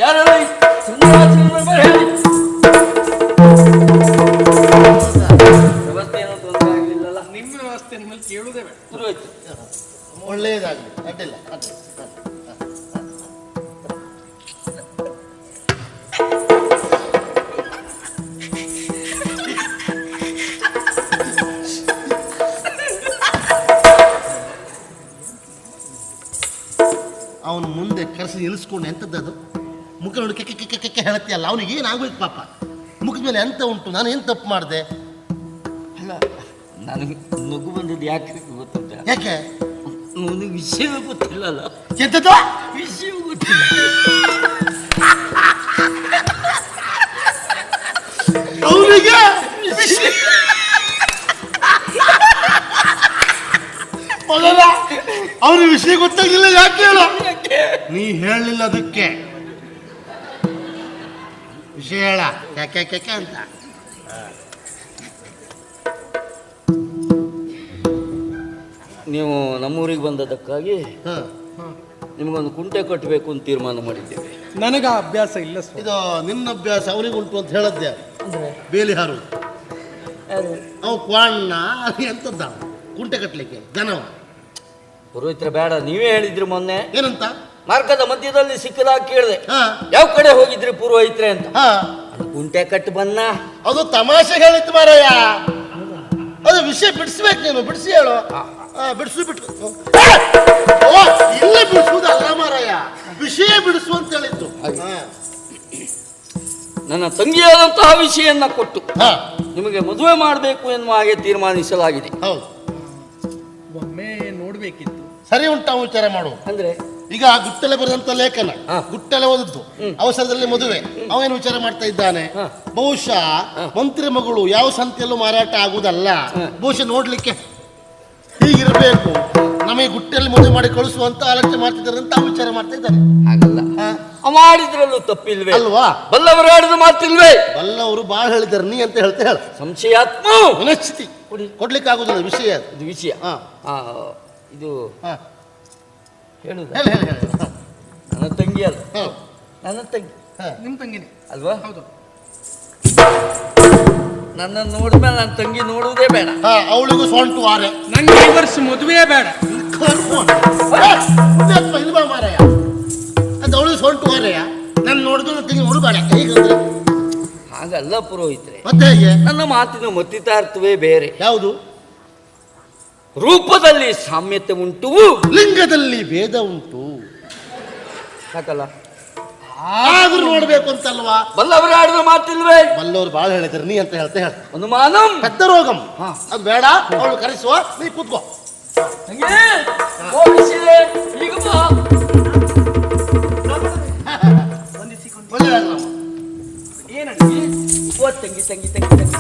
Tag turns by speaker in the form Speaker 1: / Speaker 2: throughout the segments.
Speaker 1: ಯಾರೆಲ್ಲ ಹೇಳಿ ವ್ಯವಸ್ಥೆ ಏನೋ ತೊಂದರೆ ಆಗಲಿಲ್ಲಲ್ಲ?
Speaker 2: ನಿಮ್ಮ ವ್ಯವಸ್ಥೆ ನಿಮ್ಮಲ್ಲಿ ಕೇಳುವುದೇ ಬೇಡ.
Speaker 1: ಪುರೋಹಿತ
Speaker 3: ಒಳ್ಳೆಯದಾಗಲಿ, ಅಡ್ಡಿಲ್ಲ. ಅವನು ಮುಂದೆ ಕರೆಸಿ ನಿಲ್ಲಿಸ್ಕೊಂಡು ಎಂಥದ್ದು ಮುಖ ನೋಡಿ ಕೆಕ್ಕೆ ಹೇಳತ್ತೀಯಲ್ಲ, ಅವನಿಗೆ ಏನಾಗ್ಬೇಕು ಪಾಪ? ಮುಖದ ಮೇಲೆ ಎಂತ ಉಂಟು? ನಾನು ಏನು ತಪ್ಪು ಮಾಡಿದೆ?
Speaker 1: ಅಲ್ಲ, ನನಗೆ ನಗು ಬಂದದ್ದು ಯಾಕೆ ಗೊತ್ತುಂಟ?
Speaker 3: ಯಾಕೆ?
Speaker 1: ನನಗೆ ವಿಷಯವೇ ಗೊತ್ತಿಲ್ಲಲ್ಲ.
Speaker 3: ಎಂಥದ್ದು
Speaker 1: ವಿಷಯವೂ ಗೊತ್ತಿಲ್ಲ.
Speaker 3: ಅವನಿಗೆ ಅವನ ವಿಷಯ ಗೊತ್ತಾಗಿಲ್ಲ. ಯಾಕೆ ಹೇಳು? ನೀ ಹೇಳಲಿಲ್ಲ ಅದಕ್ಕೆ ವಿಷಯ ಹೇಳ. ಯಾಕೆ ಅಂತ
Speaker 1: ನೀವು ನಮ್ಮೂರಿಗೆ ಬಂದದಕ್ಕಾಗಿ ನಿಮಗೊಂದು ಕುಂಟೆ ಕಟ್ಟಬೇಕು ಅಂತ ತೀರ್ಮಾನ ಮಾಡಿದ್ದೇವೆ.
Speaker 2: ನನಗ ಅಭ್ಯಾಸ ಇಲ್ಲ.
Speaker 3: ಇದು ನಿನ್ನ ಅಭ್ಯಾಸ ಅವನಿಗೆ ಉಂಟು ಅಂತ ಹೇಳದ್ದೆ. ಬೇಲಿ ಹಾರುವುದು ಅವು ಕ್ವಾಣ್ಣ ಎಂತದ್ದ ಕುಂಟೆ ಕಟ್ಟಲಿಕ್ಕೆ ಜನವ.
Speaker 1: ಪುರೋಹಿತ್ರ ಬೇಡ, ನೀವೇ ಹೇಳಿದ್ರಿ ಮೊನ್ನೆ.
Speaker 3: ಏನಂತ?
Speaker 1: ಮಾರ್ಗದ ಮಧ್ಯದಲ್ಲಿ ಸಿಕ್ಕದಾಗ ಕೇಳಿದೆ, ಯಾವ ಕಡೆ ಹೋಗಿದ್ರಿ ಪುರೋಹಿತ್ರೆ ಅಂತ. ಕುಂಟೆ ಕಟ್ಟು ಬನ್ನ.
Speaker 3: ಅದು ತಮಾಷೆ ಹೇಳಿತ್ತು ಮಾರಾಯ. ಅದು ವಿಷಯ ಬಿಡಿಸ್ಬೇಕು, ನೀನು ಬಿಡಿಸಿ ಹೇಳು. ಬಿಡಿಸು ಇಲ್ಲ, ಬಿಡಿಸುವುದಲ್ಲ ಮಾರಾಯ, ವಿಷಯ ಬಿಡಿಸು ಅಂತ ಹೇಳಿತ್ತು.
Speaker 1: ನನ್ನ ತಂಗಿಯಾದಂತಹ ವಿಷಯನ್ನ ಕೊಟ್ಟು ನಿಮಗೆ ಮದುವೆ ಮಾಡಬೇಕು ಎನ್ನುವ ಹಾಗೆ ತೀರ್ಮಾನಿಸಲಾಗಿದೆ.
Speaker 3: ಹೌದು,
Speaker 2: ಒಮ್ಮೆ ನೋಡ್ಬೇಕಿತ್ತು.
Speaker 3: ಸರಿ ಉಂಟು ವಿಚಾರ ಮಾಡು.
Speaker 1: ಅಂದ್ರೆ
Speaker 3: ಈಗ ಗುಟ್ಟಲೆ ಬರೆದಂತ ಲೇಖನ, ಗುಟ್ಟಲೆ ಓದದ್ದು, ಅವಸರದಲ್ಲಿ ಮದುವೆ. ಅವೇನು ವಿಚಾರ ಮಾಡ್ತಾ ಇದ್ದಾನೆ? ಬಹುಶಃ ಮಂತ್ರಿ ಮಗಳು ಯಾವ ಸಂತೆಯಲ್ಲೂ ಮಾರಾಟ ಆಗುವುದಲ್ಲ, ಬಹುಶಃ ನೋಡ್ಲಿಕ್ಕೆ ಹೀಗಿರಬೇಕು, ನಮಗೆ ಗುಟ್ಟೆಯಲ್ಲಿ ಮದುವೆ ಮಾಡಿ ಕಳಿಸುವಂತ ಆಲೋಚನೆ ಮಾಡ್ತಿದ್ದಾರೆ ಅಂತ ವಿಚಾರ ಮಾಡ್ತಾ ಇದ್ದಾನೆ.
Speaker 1: ಹಾಗಲ್ಲ, ಮಾಡಿದ್ರಲ್ಲೂ ತಪ್ಪಿಲ್ವೇ
Speaker 3: ಅಲ್ವಾ?
Speaker 1: ಬಲ್ಲವರು ಆಡಿದ ಮಾತಿಲ್ವೇ?
Speaker 3: ಬಲ್ಲವರು ಬಾಳ ಹೇಳಿದ್ದಾರೆ, ನೀ ಅಂತ ಹೇಳ್ತಾ ಹೇಳ.
Speaker 1: ಸಂಶಯಾತ್ಮ
Speaker 3: ಮನಸ್ಥಿತಿ ಕೊಡ್ಲಿಕ್ಕೆ ಆಗುದಿಲ್ಲ ವಿಷಯ.
Speaker 1: ಇದು ವಿಷಯ. ಇದು ಹೇಳುದ? ನನ್ನ ತಂಗಿ ಅಲ್ಲ, ನನ್ನ ತಂಗಿ.
Speaker 2: ನಿಮ್ ತಂಗಿನೇ
Speaker 1: ಅಲ್ವಾ?
Speaker 2: ಹೌದು.
Speaker 1: ನನ್ನ ನೋಡಿದ್ಮೇಲೆ ನನ್ನ ತಂಗಿ ನೋಡುವುದೇ ಬೇಡ.
Speaker 3: ಅವಳಿಗೂ ಸೊಂಟು ವಾರೆ.
Speaker 2: ನಂಗೆ ಈ ವರ್ಷ ಮದುವೆ ಬೇಡ.
Speaker 3: ಇಲ್ವಾ ಮಾರಾಯ? ಅದು ಅವಳಿಗೆ ಸೊಂಟು ವಾರೆಯ. ನಾನು ನೋಡಿದ್ರು ನನ್ನ ತಂಗಿ ನೋಡಬೇಡ. ಹೇಗಂದ್ರೆ
Speaker 1: ಹಾಗಲ್ಲ ಪುರೋಹಿತ್ರೆ,
Speaker 3: ಮತ್ತೆ ಹೇಗೆ? ನನ್ನ
Speaker 1: ಮಾತಿನ ಮತ್ತಿತಾರ್ಥವೇ ಬೇರೆ.
Speaker 3: ಯಾವುದು?
Speaker 1: ರೂಪದಲ್ಲಿ ಸಾಮ್ಯತೆ ಉಂಟು,
Speaker 3: ಲಿಂಗದಲ್ಲಿ ಭೇದ ಉಂಟು.
Speaker 1: ಸಾಕಲ್ಲ,
Speaker 3: ಆದ್ರೂ ನೋಡ್ಬೇಕು ಅಂತಲ್ವಾ?
Speaker 1: ಬಲ್ಲವರು ಆಡಿದ ಮಾತಿಲ್ವೇ?
Speaker 3: ಬಲ್ಲವರು ಬಾಳ ಹೇಳಿದ್ರು, ನೀ ಅಂತ ಹೇಳ್ತಾ ಹೇಳ.
Speaker 1: ಅನುಮಾನಂ
Speaker 3: ಪೆದ್ದ ರೋಗಂ. ಅದು ಬೇಡ, ಅವಳು ಕರೆಸುವ, ನೀ ಕೂತ್ಕೋ.
Speaker 1: ಈಗ ಬಾ.
Speaker 2: ಏನಂడి?
Speaker 1: ಓ ತಂಗಿ ತಂಗಿ ತಂಗಿ ತಂಗಿ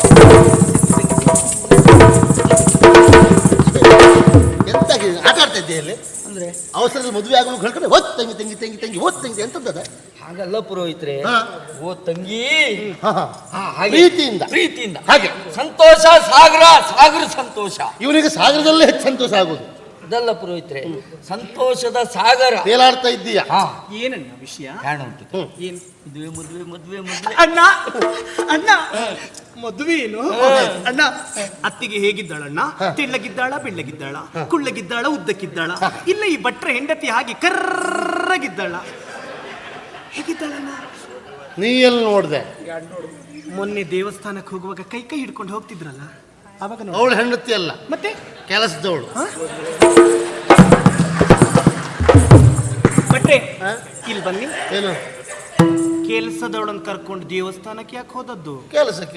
Speaker 3: ಎಂತಾಗಿದೆ? ಆಟ ಆಡ್ತಾ ಇದ್ದೆ ಇಲ್ಲಿ
Speaker 1: ಅಂದ್ರೆ
Speaker 3: ಅವಸರದ ಮದುವೆ ಆಗಲು ಹೇಳ್ಕೊಂಡು ಓದ್ ತಂಗಿ ತಂಗಿ ತಂಗಿ ತಂಗಿ ಓದ್ ತಂಗಿ ಎಂತದ?
Speaker 1: ಹಾಗಲ್ಲ ಪುರೋಹಿತ್ರೆ, ಓ ತಂಗಿ
Speaker 3: ಪ್ರೀತಿಯಿಂದ
Speaker 1: ಪ್ರೀತಿಯಿಂದ
Speaker 3: ಹಾಗೆ
Speaker 1: ಸಂತೋಷ. ಸಾಗರ ಸಾಗರ ಸಂತೋಷ.
Speaker 3: ಇವನಿಗೆ ಸಾಗರದಲ್ಲೇ ಹೆಚ್ಚು ಸಂತೋಷ ಆಗುದು.
Speaker 1: ಅದಲ್ಲ ಪುರೋಹಿತ್ರೆ, ಸಂತೋಷದ ಸಾಗರ.
Speaker 3: ತೇಲಾಡ್ತಾ ಇದ್ದೀಯ.
Speaker 2: ಏನಣ್ಣ ವಿಷಯ?
Speaker 1: ಕಾಣ ಉಂಟು.
Speaker 2: ಏನ್
Speaker 1: ಮದುವೆ ಮದುವೆ ಮದುವೆ ಮದುವೆ.
Speaker 2: ಅಣ್ಣ ಅಣ್ಣ ಮದುವೆ ಏನು ಅಣ್ಣ? ಅತ್ತಿಗೆ ಹೇಗಿದ್ದಾಳಣ್ಣ? ತೆಳ್ಳಗಿದ್ದಾಳ, ಬೆಳ್ಳಗಿದ್ದಾಳ, ಕುಳ್ಳಗಿದ್ದಾಳ, ಉದ್ದಕ್ಕಿದ್ದಾಳ, ಇಲ್ಲ ಈ ಭಟ್ರ ಹೆಂಡತಿ ಹಾಗೆ ಕರ್ರಗಿದ್ದಾಳ, ಹೇಗಿದ್ದಾಳಣ್ಣ?
Speaker 3: ನೀ ಎಲ್ಲಿ ನೋಡ್ದೆ?
Speaker 2: ಮೊನ್ನೆ ದೇವಸ್ಥಾನಕ್ಕೆ ಹೋಗುವಾಗ ಕೈ ಕೈ ಹಿಡ್ಕೊಂಡು ಹೋಗ್ತಿದ್ರಲ್ಲ, ಅವಾಗ
Speaker 3: ಅವಳು ಹೆಂಡತಿ ಅಲ್ಲ,
Speaker 2: ಮತ್ತೆ
Speaker 3: ಕೆಲಸದವಳು.
Speaker 2: ಭಟ್ರೆ ಇಲ್ಲಿ ಬನ್ನಿ.
Speaker 3: ಏನು
Speaker 2: ಕೆಲಸದವಳನ್ನು ಕರ್ಕೊಂಡು ದೇವಸ್ಥಾನಕ್ಕೆ ಯಾಕೆ ಹೋದದ್ದು?
Speaker 3: ಕೆಲಸಕ್ಕೆ.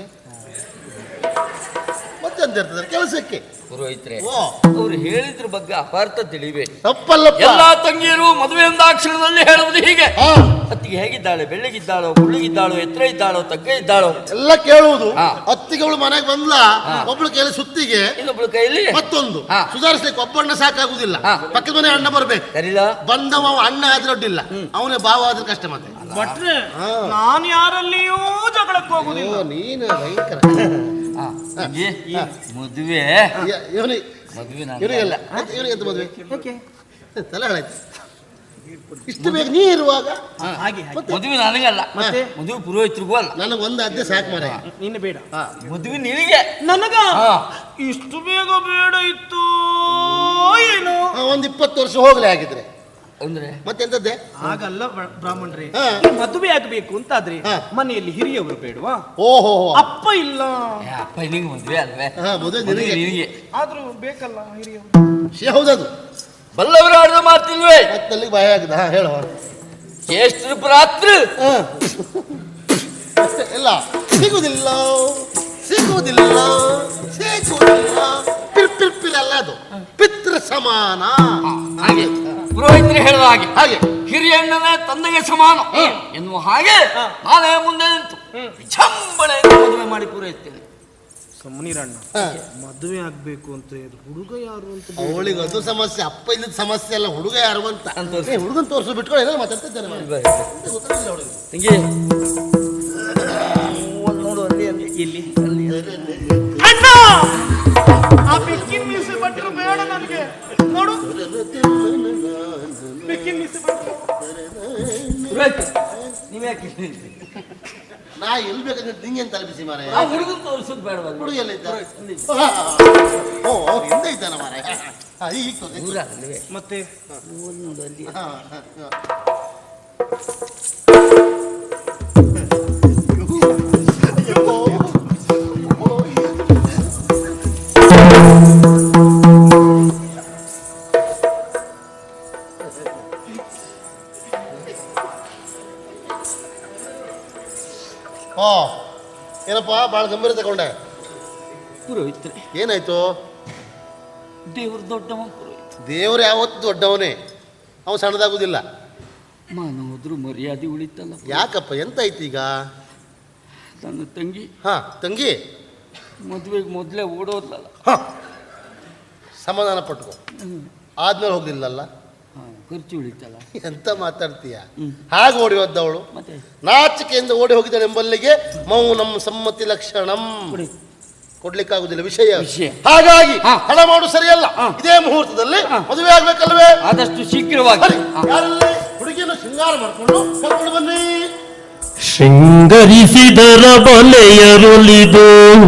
Speaker 3: ಮತ್ತೆಂತ ಇರ್ತದೆ ಕೆಲಸಕ್ಕೆ?
Speaker 1: ಪುರೋಹಿತ್ರೆ, ಅವ್ರು ಹೇಳಿದ್ರ ಬಗ್ಗೆ ಅಪಾರ್ಥ ತಿಳಿವೆ.
Speaker 3: ತಪ್ಪಲ್ಲಪ್ಪ.
Speaker 1: ಎಲ್ಲಾ ತಂಗಿಯರು ಮದುವೆ ಕ್ಷಣದಲ್ಲಿ ಹೇಳುವುದು ಹೀಗೆ: ಅತ್ತಿಗೆ ಹೇಗಿದ್ದಾಳೆ, ಬೆಳ್ಳಗಿದ್ದಾಳೋ, ಕುಳ್ಳಿಗಿದ್ದಾಳೋ, ಎತ್ತರ ಇದ್ದಾಳೋ, ತಗ್ಗ ಇದ್ದಾಳೋ
Speaker 3: ಎಲ್ಲ ಕೇಳುವುದು. ಅತ್ತಿಗೆ ಅವಳು ಮನೆಗೆ ಬಂದ್ಲ, ಒಬ್ಳು ಕೈಲಿ ಸುತ್ತಿಗೆ,
Speaker 1: ಇನ್ನೊಬ್ಳು ಕೈಯಲ್ಲಿ ಮತ್ತೊಂದು.
Speaker 3: ಸುಧಾರಿಸ್ಲಿಕ್ಕೆ ಒಬ್ಬಣ್ಣ ಸಾಕಾಗುದಿಲ್ಲ, ಪಕ್ಕದ ಮನೆ ಅಣ್ಣ ಬರ್ಬೇಕು.
Speaker 1: ಕರೀಲ ಬಂದವ
Speaker 3: ಅಣ್ಣ ಆದ್ರೆ ಅಡ್ಡಿಲ್ಲ, ಅವನೇ ಭಾವ ಆದ್ರೆ ಕಷ್ಟ. ಮತ್ತೆ
Speaker 2: ಭಟ್ರೆ, ನಾನು ಯಾರಲ್ಲಿಯೂ ಜಗಳಕ್ಕೆ ಹೋಗುದಿಲ್ಲ.
Speaker 3: ನೀನು ಭಯಂಕರ
Speaker 1: ಮದುವೆ.
Speaker 3: ಇವನಿಗೆ
Speaker 1: ಮದುವೆ
Speaker 3: ಇವನಿಗೆಲ್ಲ ಇವನಿಗೆ ಎಂತ ಮದುವೆ? ತಲೆ ಹಾಳಾಯ್ತು. ಇಷ್ಟು ಬೇಗ ನೀ ಇರುವಾಗ
Speaker 2: ಹಾಗೆ
Speaker 1: ಮದುವೆ ನನಗಲ್ಲ,
Speaker 3: ಮತ್ತೆ?
Speaker 1: ಮದುವೆ ಪುರೋಹಿತರಿಗೂ ಅಲ್ಲ.
Speaker 3: ನನಗೆ ಒಂದು ಅದ್ದೆ ಸಾಕು ಮಾರೆ.
Speaker 2: ನಿನ್ನ ಬೇಡ,
Speaker 1: ಮದುವೆ ನಿನಗೆ.
Speaker 2: ನನಗ
Speaker 1: ಹಾ.
Speaker 2: ಇಷ್ಟು ಬೇಗ ಬೇಡ ಇತ್ತು ಏನು?
Speaker 3: ಒಂದು 20 ವರ್ಷ ಹೋಗ್ಲಿ ಆಗಿದ್ರೆ
Speaker 1: ಅಂದ್ರೆ
Speaker 3: ಮತ್ತೆಂತದ್ದೆ?
Speaker 2: ಹಾಗಲ್ಲ ಬ್ರಾಹ್ಮಣರೇ,
Speaker 3: ಹಾ.
Speaker 2: ಈ ಮದುವೆ ಆಗ್ಬೇಕು ಅಂತಾದ್ರೆ
Speaker 3: ಹಾ.
Speaker 2: ಮನೆಯಲ್ಲಿ ಹಿರಿಯವರು ಬೇಡವಾ?
Speaker 3: ಓಹೋ
Speaker 2: ಅಪ್ಪ ಇಲ್ಲ,
Speaker 1: ಅಪ್ಪ ನಿನಗೆ ಮದುವೆ ಅಲ್ವೇ?
Speaker 3: ಮದುವೆ
Speaker 1: ಮದುವೆ
Speaker 3: ನಿನಗೆ
Speaker 1: ನಿನಗೆ.
Speaker 2: ಆದ್ರೂ ಬೇಕಲ್ಲ ಹಿರಿಯವರು.
Speaker 3: ಹೌದದು.
Speaker 1: ಬಲ್ಲವರು ಆಡಿದ ಮಾತಿಲ್ವೇ?
Speaker 3: ಮತ್ತಲ್ಲಿಗೆ ಭಯ ಆಗಿದೆ. ಹೇಳುವ
Speaker 1: ಜ್ಯೇಷ್ಠ ರಾತ್ರಿ
Speaker 3: ಇಲ್ಲ ಸಿಗುದಿಲ್ಲ ಸಿಗುವುದಿಲ್ಲ ಸಿಗುವುದಿಲ್ಲ ಪಿರ್ಪಿರ್ಪಿರಲ್ಲ, ಅದು ಪಿತೃ ಸಮಾನ.
Speaker 1: ಹಾಗೆ ಪುರೋಹಿತರು ಹೇಳುವ ಹಾಗೆ
Speaker 3: ಹಾಗೆ
Speaker 1: ಹಿರಿಯಣ್ಣನೇ ತಂದೆಗೆ ಸಮಾನ ಎನ್ನುವ ಹಾಗೆ ನಾನೇ ಮುಂದೆ ನಿಂತು ವಿಜೃಂಭಣೆಯಿಂದ ಮದುವೆ ಮಾಡಿ ಪೂರೈಸ್ತೇನೆ.
Speaker 2: ಸುಮ್ಮನಿರಣ್ಣ, ಮದುವೆ ಆಗ್ಬೇಕು ಅಂತ ಹುಡುಗ ಯಾರು ಅಂತ
Speaker 3: ಅವಳಿಗೆ ಅದು ಸಮಸ್ಯೆ, ಅಪ್ಪ ಇಲ್ಲದ ಸಮಸ್ಯೆ ಅಲ್ಲ, ಹುಡುಗ ಯಾರು ಅಂತ.
Speaker 1: ಅಂತ ತೋರ್ಸು.
Speaker 3: ಹುಡುಗನ ತೋರಿಸು ಬಿಟ್ಕೊಂಡು ಏನೋ ಮಾತಾಡ್ತಿದ್ದೇನೆ ಗೊತ್ತಾಗಿಲ್ಲ ಅವಳಿಗೆ.
Speaker 1: ತಂಗಿ ನೋಡು ಅಲ್ಲಿ ಅಲ್ಲಿ
Speaker 2: ಎಲ್ಲಿ
Speaker 1: ಅಲ್ಲಿ
Speaker 2: ಅಣ್ಣ, ಆ ಬೆಕ್ಕಿನ ಮೀಸೆ ಭಟ್ರು ಬೇಡ ನನಗೆ. ನೋಡು, ಬೆಕ್ಕಿನ ಮೀಸೆ ಭಟ್ರು.
Speaker 1: ಪುರೋಹಿತ ನೀವ್ಯಾಕೆ ಇಲ್ಲಿ?
Speaker 3: ನಾ ಎಲ್ಲಿ ಬೇಕಾದ್ರೆ ನಿಂಗೆ ಅಂತ ತಲುಪಿಸಿ ಮಾರ.
Speaker 1: ಆ ಹುಡುಗನ್ ತೋರಿಸೋದು ಬೇಡವಲ್ಲ?
Speaker 3: ಹುಡುಗ ಎಲ್ಲ ಇದ್ದ? ಓ ಹಿಂದೆ ಇದ್ದಾನ ಮಾರ. ಈಗ
Speaker 1: ದೂರ ಅಲ್ವೇ?
Speaker 2: ಮತ್ತೆ
Speaker 1: ನೋಡು ಅಲ್ಲಿ
Speaker 3: ಓ ಏನಪ್ಪ ಭಾಳ ಗಂಭೀರ ತಗೊಂಡೆ.
Speaker 1: ಪುರೋಹಿತರೆ
Speaker 3: ಏನಾಯ್ತು?
Speaker 1: ದೇವ್ರ ದೊಡ್ಡವ ಪುರೋಹಿತ.
Speaker 3: ದೇವ್ರು ಯಾವತ್ತು ದೊಡ್ಡವನೇ, ಅವನು ಸಣ್ಣದಾಗುದಿಲ್ಲ.
Speaker 1: ಮಾನ ಹೋದ್ರು ಮರ್ಯಾದೆ ಉಳಿತಲ್ಲ.
Speaker 3: ಯಾಕಪ್ಪ ಎಂತ ಆಯ್ತು ಈಗ?
Speaker 1: ನನ್ನ ತಂಗಿ
Speaker 3: ತಂಗಿ
Speaker 1: ಮದುವೆಗೆ ಮೊದಲೇ ಓಡೋದ್ಲಲ್ಲ.
Speaker 3: ಸಮಾಧಾನ ಪಟ್ಕೊ, ಆದ್ಮೇಲೆ ಹೋಗ್ಲಿಲ್ಲಲ್ಲ.
Speaker 1: ಖರ್ಚು ಉಳಿತಲ್ಲ.
Speaker 3: ಎಂತ ಮಾತಾಡ್ತೀಯ? ಹಾಗೆ ಓಡಿ ಹೋದವಳು
Speaker 1: ಮತ್ತೆ
Speaker 3: ನಾಚಿಕೆಯಿಂದ ಓಡಿ ಹೋಗಿದ್ದಾಳೆ ಎಂಬಲ್ಲಿಗೆ ಮೌನಂ ಸಮ್ಮತಿ ಲಕ್ಷಣಂ. ಕೊಡ್ಲಿಕ್ಕಾಗುದಿಲ್ಲ ವಿಷಯ. ಹಾಗಾಗಿ ಹಣ ಮಾಡು ಸರಿಯಲ್ಲ. ಇದೇ ಮುಹೂರ್ತದಲ್ಲಿ ಮದುವೆ ಆಗ್ಬೇಕಲ್ವೇ?
Speaker 1: ಆದಷ್ಟು ಶೀಘ್ರವಾಗಿ
Speaker 3: ಯಾರಲ್ಲೇ ಹುಡುಗಿಯನ್ನು ಶೃಂಗಾರ ಮಾಡಿಕೊಂಡು ಕರ್ಕೊಂಡು ಬನ್ನಿ.
Speaker 4: ಶೃಂಗರಿಸಿದರ ಬಲೆಯರುಳಿದು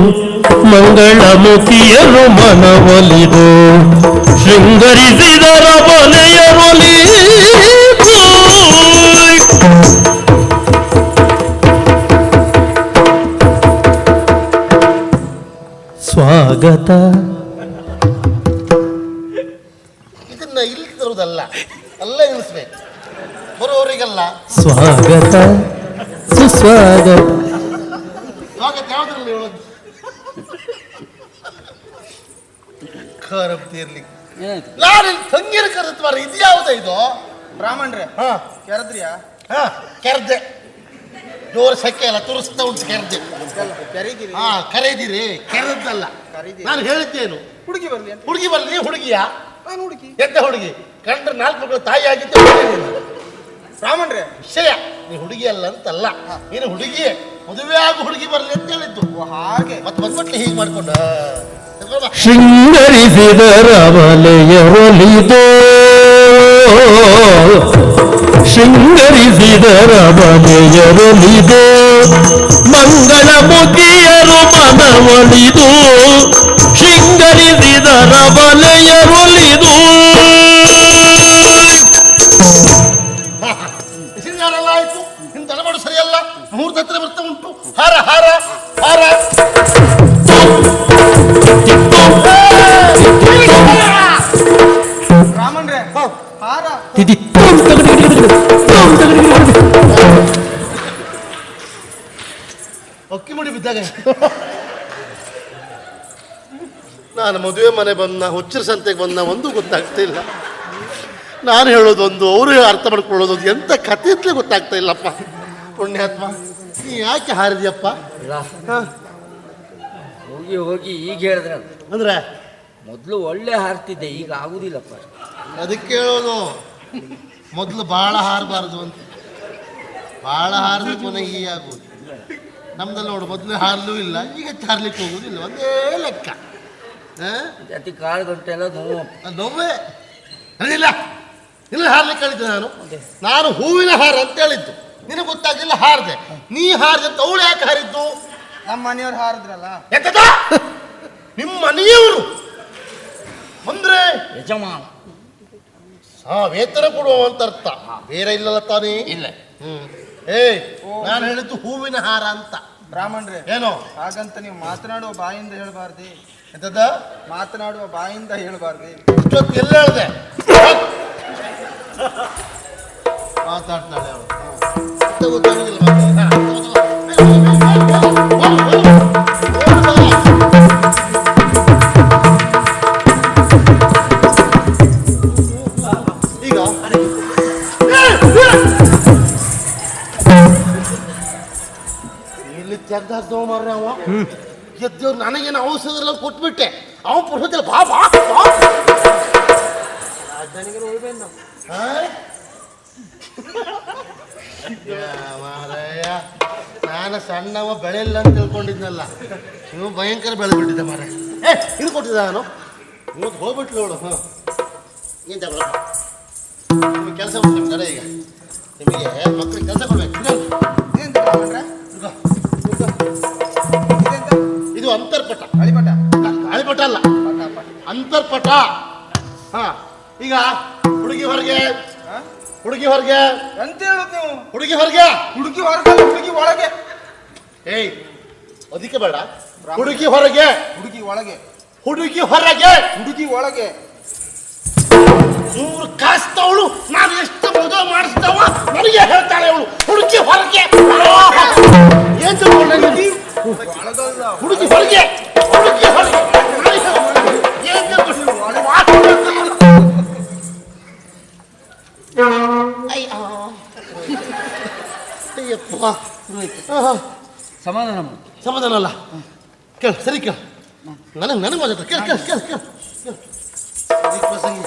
Speaker 4: ಮಂಗಳಮುಖಿಯರು ಮನವೊಲಿದು ಶೃಂಗರಿಸಿದರ ಬಲೆಯರುಳಿದು ಸ್ವಾಗತ.
Speaker 3: ಇದನ್ನ ಇಲ್ಲಿ ತರುವುದಲ್ಲ, ಅಲ್ಲೇ ನಿಲ್ಲಿಸ್ಬೇಕು, ಬರೋವರಿಗಲ್ಲ.
Speaker 4: ಸ್ವಾಗತ ಸುಸ್ವಾಗತ.
Speaker 3: ಸ್ವಾಗತ ಯಾವ್ದ್ರಲ್ಲಿ ಹೇಳೋದು? ಖರಬ್ತಿ ಇರ್ಲಿಕ್ಕೆ
Speaker 1: ಏನಾಯ್ತು?
Speaker 3: ನಾನು ತಂಗಿನ ಕರೆದು ಮಾರ. ಇದು ಯಾವ್ದ ಇದು?
Speaker 2: ಬ್ರಾಹ್ಮಣರೇ ಕೆರದ್ರಿಯಾ?
Speaker 3: ಕೆರ್ದೆ ಜೋರು ಸೆಕೆ ಅಲ್ಲ, ತುರಿಸ್ತಾ ಉಂಟು ಕೆರ್ದೆ.
Speaker 2: ಕರೀದಿರಿ?
Speaker 3: ಕರೆದಿರಿ, ಕೆರದ್ದಲ್ಲ. ನಾನು ಹೇಳಿದ್ದೇನು?
Speaker 2: ಹುಡುಗಿ ಬರ್ಲಿ ಅಂತ.
Speaker 3: ಹುಡುಗಿ ಬರ್ಲಿ. ಹುಡುಗಿಯಾ?
Speaker 2: ನಾನು ಹುಡುಗಿ.
Speaker 3: ಎಂತ ಹುಡುಗಿ? ಕಂಡ್ರೆ 4 ಮಕ್ಕಳು ತಾಯಿ ಆಗಿದ್ದೆ.
Speaker 2: ಬ್ರಾಹ್ಮಣರೇ
Speaker 3: ವಿಷಯ ನೀ ಹುಡುಗಿ ಅಲ್ಲ ಅಂತಲ್ಲ, ನೀನು ಹುಡುಗಿಯೇ. ಮದುವೆ ಆಗು ಹುಡುಗಿ ಬರ್ಲಿ ಅಂತ ಹೇಳಿದ್ದು.
Speaker 2: ಹಾಗೆ
Speaker 3: ಮತ್ತೆ ಬಂದ್ಬಿಟ್ಲೆ ಹೀಗೆ ಮಾಡ್ಕೊಂಡ.
Speaker 4: ಶೃಂಗರಿಸಿದರ ಬಲೆಯರೊಲಿದು ಶೃಂಗರಿಸಿದರ ಬಲೆಯರೊಲಿದು ಮಂಗಳಮುಖಿಯರು ಮನವೊಲಿದು ಶೃಂಗರಿಸಿದರ ಬಲೆಯರೊಲಿದು.
Speaker 3: ಶೃಂಗಾರೆಲ್ಲ ಆಯ್ತು, ನಿನ್ ತಲೆಮಾಡು ಸರಿಯಲ್ಲ. ಮುಹೂರ್ತ ಹತ್ರ ಬರ್ತಾ ಉಂಟು. ಹಾರ ಹಾರ ಹಾರ.
Speaker 2: ಬ್ರಾಹ್ಮಣರೇ ಹಾರ.
Speaker 3: ಅಕ್ಕಿ ಮುಡಿ ಬಿದ್ದಾಗ ನಾನು ಮದುವೆ ಮನೆ ಬಂದ, ಹುಚ್ಚರ ಸಂತೆಗೆ ಬಂದ, ಒಂದು ಗೊತ್ತಾಗ್ತಾ ಇಲ್ಲ. ನಾನು ಹೇಳೋದೊಂದು, ಅವರು ಅರ್ಥ ಮಾಡ್ಕೊಳ್ಳೋದೊಂದು, ಎಂತ ಕಥೆ ಅಂತಲೇ ಗೊತ್ತಾಗ್ತಾ ಇಲ್ಲಪ್ಪ. ಪುಣ್ಯಾತ್ಮ, ನೀ ಯಾಕೆ ಹಾರಿದ್ಯಪ್ಪ?
Speaker 1: ಹೋಗಿ ಹೋಗಿ ಈಗ ಹೇಳಿದ್ರೆ
Speaker 3: ಅಂದ್ರೆ
Speaker 1: ಮೊದಲು ಒಳ್ಳೆ ಹಾರ್ತಿದ್ದೆ, ಈಗ ಆಗುದಿಲ್ಲಪ್ಪ.
Speaker 3: ಅದಕ್ಕೆ ಹೇಳೋದು, ಮೊದಲು ಭಾಳ ಹಾರಬಾರ್ದು ಅಂತ. ಭಾಳ ಹಾರಿದ್ರೆ ಪುನಃ ಹೀಗೆ ಆಗೋದು. ನಮ್ದಲ್ಲಿ ನೋಡು, ಮೊದಲು ಹಾರಲೂ ಇಲ್ಲ, ಈಗ ಹಾರ್ಲಿಕ್ಕೆ ಹೋಗೋದಿಲ್ಲ. ಒಂದೇ ಲೆಕ್ಕ.
Speaker 1: ಅತಿ ಕಾಳು ಗಂಟೆ ಎಲ್ಲ ನೋವು.
Speaker 3: ನೋವೇ ಅದಿಲ್ಲ. ಇಲ್ಲ ಹಾರ್ಲಿಕ್ಕೆ ಹೇಳಿದ್ದೆ ನಾನು ಹೂವಿನ ಹಾರ ಅಂತ ಹೇಳಿದ್ದು, ನಿನಗೆ ಗೊತ್ತಾಗ್ಲಿಲ್ಲ ಹಾರದೆ. ನೀ ಹಾರದೆ ಅಂತ ಅವಳು ಯಾಕೆ ಹಾರಿದ್ದು?
Speaker 2: ನಮ್ಮ ಮನೆಯವ್ರು ಹಾರಿದ್ರಲ್ಲ.
Speaker 3: ಎಂತದ? ನಿಮ್ಮ ಮನೆಯವರು ಅಂದ್ರೆ
Speaker 1: ಯಜಮಾನ
Speaker 3: ವೇತನ ಕೊಡುವ ಅಂತ ಅರ್ಥ, ಬೇರೆ ಇಲ್ಲಲ್ಲ ತಾನೇ?
Speaker 1: ಇಲ್ಲ.
Speaker 3: ನಾನು ಹೇಳಿದ್ದು ಹೂವಿನ ಹಾರ ಅಂತ.
Speaker 2: ಬ್ರಾಹ್ಮಣರೇ,
Speaker 3: ಏನೋ
Speaker 2: ಹಾಗಂತ ನೀವು ಮಾತನಾಡುವ ಬಾಯಿಂದ ಹೇಳ್ಬಾರ್ದೆ.
Speaker 3: ಎಂತದ?
Speaker 2: ಮಾತನಾಡುವ ಬಾಯಿಂದ ಹೇಳ್ಬಾರ್ದೆ.
Speaker 3: ಇಷ್ಟೊತ್ತು ಎಲ್ಲ ಹೇಳ್ದೆ ಮಾತಾಡ್ತಾಳೆ ಅವಳು. ಗೊತ್ತಾಗುದಿಲ್ಲ ಈಗ ಇಲ್ಲಿ ತೆಗ್ದಾಕ್ದವ ಮಾರ್ರೆ ಅವ ಎದ್ದೇವ್ರು. ನನಗೇನು ಔಷಧ ಕೊಟ್ಬಿಟ್ಟೆ, ಅವನು ಪುರುಷದಲ್ಲಿ ಬಾ ಬಾ ಬಾ ರಾಜಧಾನಿಗೆ ಹೋಗ್ಬೇನು ಮಾರಯ್ಯ. ನಾನು ಸಣ್ಣವ ಬೆಳೆಯಿಲ್ಲ ಅಂತ ತಿಳ್ಕೊಂಡಿದ್ನಲ್ಲ, ನೀವು ಭಯಂಕರ ಬೆಳೆದ್ಬಿಟ್ಟಿದ್ದೆ ಮಾರ. ಇದು ಕೊಟ್ಟಿದ್ದ ನಾನು ಇವತ್ತು ಹೋಗ್ಬಿಟ್ಲು ಅವಳು. ಹಾಂ ಏನು ತಗೊಳ, ನಿಮಗೆ ಕೆಲಸ ಉಂಟು ನಿಮ್ಮ ಕಡೆ. ಈಗ ನಿಮಗೆ ಮಕ್ಕಳಿಗೆ ಕೆಲಸ ಕೊಡ್ಬೇಕು. ಇದು ಅಂತರ್ಪಟ.
Speaker 2: ಗಾಳಿಪಟ?
Speaker 3: ಗಾಳಿಪಟ ಅಲ್ಲ, ಅಂತರ್ಪಟ. ಹಾ, ಈಗ ಹುಡುಗಿ ಹೊರಗೆ, ಹುಡುಗಿ ಹೊರಗೆ
Speaker 2: ಎಂತ ಹೇಳುದು ನೀವು?
Speaker 3: ಹುಡುಗಿ ಹೊರಗೆ,
Speaker 2: ಹುಡುಗಿ ಹೊರಗಲ್ಲ, ಹುಡುಗಿ ಒಳಗೆ.
Speaker 3: ಏಯ್ ಅದಕ್ಕೆ ಬೇಡ. ಹುಡುಗಿ ಹೊರಗೆ,
Speaker 2: ಹುಡುಗಿ ಒಳಗೆ,
Speaker 3: ಹುಡುಗಿ ಹೊರಗೆ,
Speaker 2: ಹುಡುಗಿ ಒಳಗೆ.
Speaker 3: 3 ಕಾಸ್ತವಳು ನಾನು ಎಷ್ಟು ಮದುವೆ ಮಾಡಿಸ್ತವ ನನಗೆ ಹೇಳ್ತಾಳೆ ಅವಳು. ಹುಡುಗಿ ಹೊರಗೆ ಏನ್ ತಿಳ್ಕೊಂಡೆ ನೀನು? ಹುಡುಗಿ ಹೊರಗೆ, ಹುಡುಗಿ ಹೊರಗೆ ಏನ್ ತಿಳ್ಕೊಂಡು? ಅಯ್ಯಪ್ಪ,
Speaker 1: ಸಮಾಧಾನ ಮಾಡು.
Speaker 3: ಸಮಾಧಾನ ಅಲ್ಲ, ಕೇಳ ಸರಿ ಕೇಳ. ನನಗೆ ಮಾತಾಡ್ತ ಕೇಳ ಕೇಳ ಕೇಳ ಕೇಳ ಪ್ರಸಂಗಿ.